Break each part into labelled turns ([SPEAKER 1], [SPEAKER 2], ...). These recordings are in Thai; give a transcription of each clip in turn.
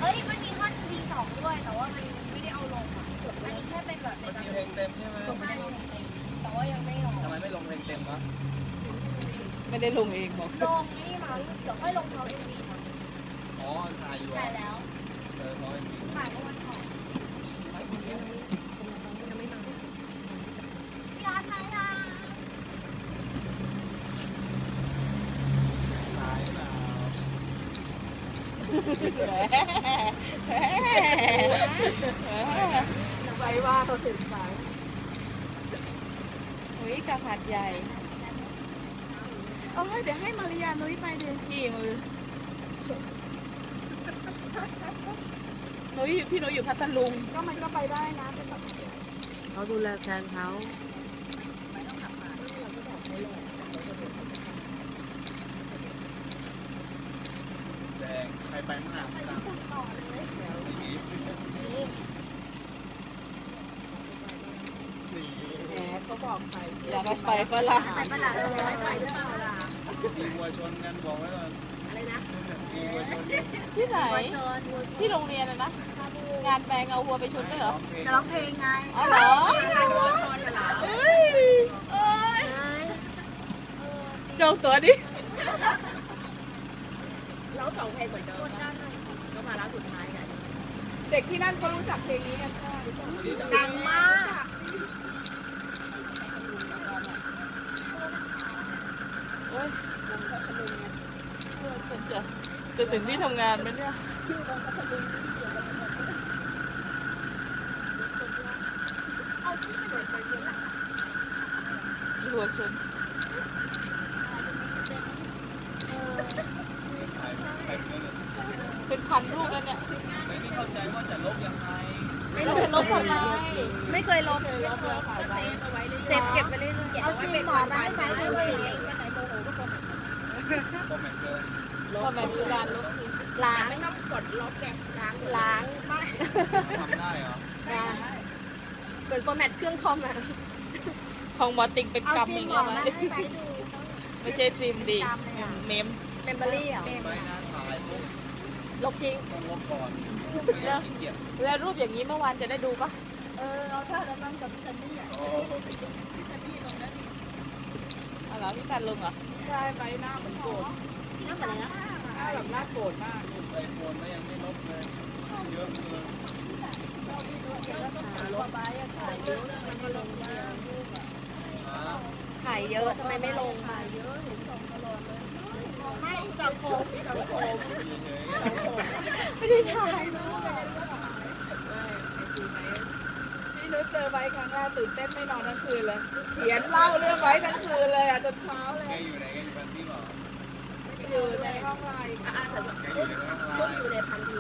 [SPEAKER 1] อ้ยมันมีท่อน V2 ด้วยแต่ว่ามันไม่ได้เอาลงอ่ะอันนี้แค่เป็นแบบใน
[SPEAKER 2] มันมีเพลงเต็มใช่ไหม
[SPEAKER 1] ไม่ได้ลงเพลงแต่ว่ายังไม่ออก
[SPEAKER 2] ทำไมไม่ลงเพลงเต็มวะ
[SPEAKER 3] ไม่ได้ลงเองบอก
[SPEAKER 1] ลงนี่มั้งเดี๋ยวค่อยลงเขา MV มั้ง
[SPEAKER 2] อ๋อถ่ายอยู่
[SPEAKER 1] ถ่ายแล้ว
[SPEAKER 2] เพราะเป็น
[SPEAKER 1] ถ่ายเมื่อวันก่อนพี่อาร์ตถ่ายนะ
[SPEAKER 2] ถ่ายเปล่า
[SPEAKER 3] ไปว่าเขาถึงสายเฮ้ยกระผัดใหญ่เอาให้เดี๋ยวให้มาริยานุ้ยไปดิกี่มือนุ้ยพี่นุ้ยอยู่พัทลุงก็มันก็ไปได้นะเป็นแบบเขาดูแลแทนเขา
[SPEAKER 2] แดงใครไปมั่งอ่ะไม่มี
[SPEAKER 3] แหมเขาบอกใครอยากไปฝรั่ง
[SPEAKER 1] ไปปะล่ะไปด้วยปะล่ะ
[SPEAKER 2] มีวัวชนกันบอกไว้ก่อน
[SPEAKER 1] อะไรนะ
[SPEAKER 2] มีวัวชน
[SPEAKER 3] ที่ไหนที่โรงเรียนนะงานแปลงเอาวัวไปชนด้วยเหรอ
[SPEAKER 1] จะร้องเพลงไง
[SPEAKER 3] อ๋อเหรอ เอ้ยจองตั๋วดิ
[SPEAKER 1] เราสองเพลงเหมือนเดิมก็มาแล้วสุดท้ายไง
[SPEAKER 3] เด็กที่นั่นเขารู้จักเพลงนี้กันค่ะ
[SPEAKER 1] ดังมาก
[SPEAKER 3] โอ้ยฉันจะถึงที่ทำงานไหมเนี่ยหัวชน
[SPEAKER 2] ถ่ายไปเรื่อย
[SPEAKER 3] เป็นพันลูกแล้วเนี่ย
[SPEAKER 2] ๆไม่เข้าใจว่าจะลบยังไง
[SPEAKER 3] แล้วเป็นลบทำไม
[SPEAKER 1] ไม่เคยลบเลยเซฟเก็บไปเรื่อยๆเอาซีหมอนมาให้ไหมด้วย
[SPEAKER 2] คอมเมนต์เกิน
[SPEAKER 3] ทำไมคือการลบทิ้ง
[SPEAKER 1] ล้างไม่ต้องกดลบแกล้างไม่
[SPEAKER 2] ทำได้เหรอ
[SPEAKER 1] เปิดฟอร์แมตเครื่องคอมอ่ะ
[SPEAKER 3] ของหมอติงเป็นกรรมอย่างเงี้ยไหมไม่ใช่ซิมดิเมม
[SPEAKER 1] เมมโมรี่อ่ะ
[SPEAKER 2] ไปหน้าถ่ายปุ๊บ
[SPEAKER 1] ลบจริง
[SPEAKER 2] ต้องลบก่อนไม่อยากขี้เกียจ
[SPEAKER 3] แล้วรูปอย่างนี้เมื่อวานจะได้ดูปะ
[SPEAKER 1] เอาถ้าเราต้องกับพี่ซันนี่อ่ะ
[SPEAKER 2] โอ้
[SPEAKER 3] อ๋อเหรอพี่การลงเหรอใช่ไปหน้าเหมือนโกรธ
[SPEAKER 1] นั่งไปเลยนะ
[SPEAKER 3] หน้าแบบหน้าโกรธมาก
[SPEAKER 2] ไอโฟนก็ยังไม่ลบเลยเยอะเลย
[SPEAKER 1] ลบไปถ่ายเยอะทำไมไม่ลงบ้าง
[SPEAKER 2] ครับ
[SPEAKER 1] ถ่ายเยอะทำไมไม่ลงถ่ายเยอะเห็นส่งตลอดเลยไม่สังคม
[SPEAKER 2] เฉย
[SPEAKER 1] ไม่ได้ถ่าย
[SPEAKER 3] พี่นุ้ยเจอไว้ครั้งแรกตื่นเต้นไม่นอนทั้งคืนเลย เขียนเล่าเรื่องไว้ทั้งคืนเลยอ่ะจนเช้าเล
[SPEAKER 2] ๆแก
[SPEAKER 3] ย
[SPEAKER 2] อยู่ไหนแกอยู่บ้านพี่เหรอ
[SPEAKER 3] อยู่ในห้องไลน์
[SPEAKER 2] แกอยู่ในห้องไล
[SPEAKER 1] ชุด
[SPEAKER 2] น์
[SPEAKER 1] อยู่ในพันที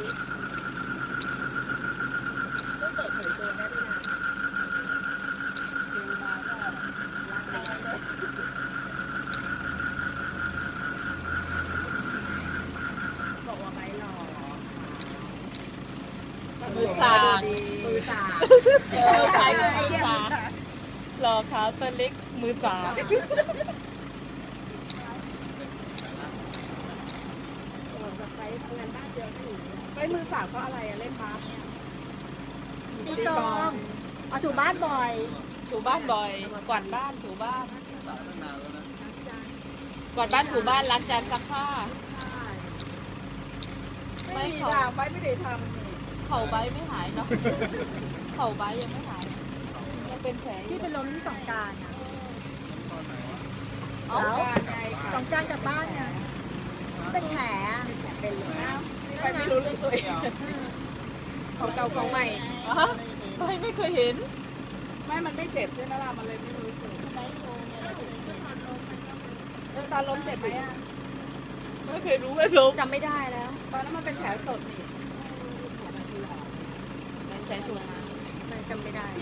[SPEAKER 1] ต้องเปิดเผยตัวได้ด้วยนะ บอกว่าไม่หล่อ
[SPEAKER 3] มือสาก
[SPEAKER 1] มือสา
[SPEAKER 3] ขายมือสากรอขาวตัวเล็กมือสาก
[SPEAKER 1] ไปทำงานบ้านเยอะอยู่
[SPEAKER 3] ไปมือสากเพราะอะไรอะเล่นบาสเนี่ย
[SPEAKER 1] ตีกลองเอาถูบ้านบ่อย
[SPEAKER 3] ถูบ้านบ่อยกวาดบ้านถูบ้าน
[SPEAKER 2] สาวตั้งนานแล้วนะ
[SPEAKER 3] กวาดบ้านถูบ้านล้างจานซักผ้า
[SPEAKER 1] ไม่มีทางไม่ได้ทำนี่
[SPEAKER 3] เข่าใบไม่หายเนาะเข่าใบยังไม่หายยังเป็นแผลอยู่
[SPEAKER 1] ที่เป็นล้มที่สองการอ่ะ
[SPEAKER 2] ตอนไหนวะ
[SPEAKER 3] เอ้า
[SPEAKER 1] สองการกลับบ้านเนี่ยเป็นแผลเป็นเลย
[SPEAKER 3] ไปไม่รู้เรื่องตัวเอง
[SPEAKER 1] ของเก่าของใหม่
[SPEAKER 3] ไม่เคยเห็น ไม่มันไม่เจ็บใช่ไหมล่ะมันเลยไม่รู้สึกตอนล้มเจ็บไหมอ่ะไม่เคยรู้ว่าล้ม
[SPEAKER 1] จำไม่ได้แล้ว
[SPEAKER 3] ตอนนั้นมันเป็นแผลสดนี่มันใช้ถุง
[SPEAKER 1] มันจำไม่ได้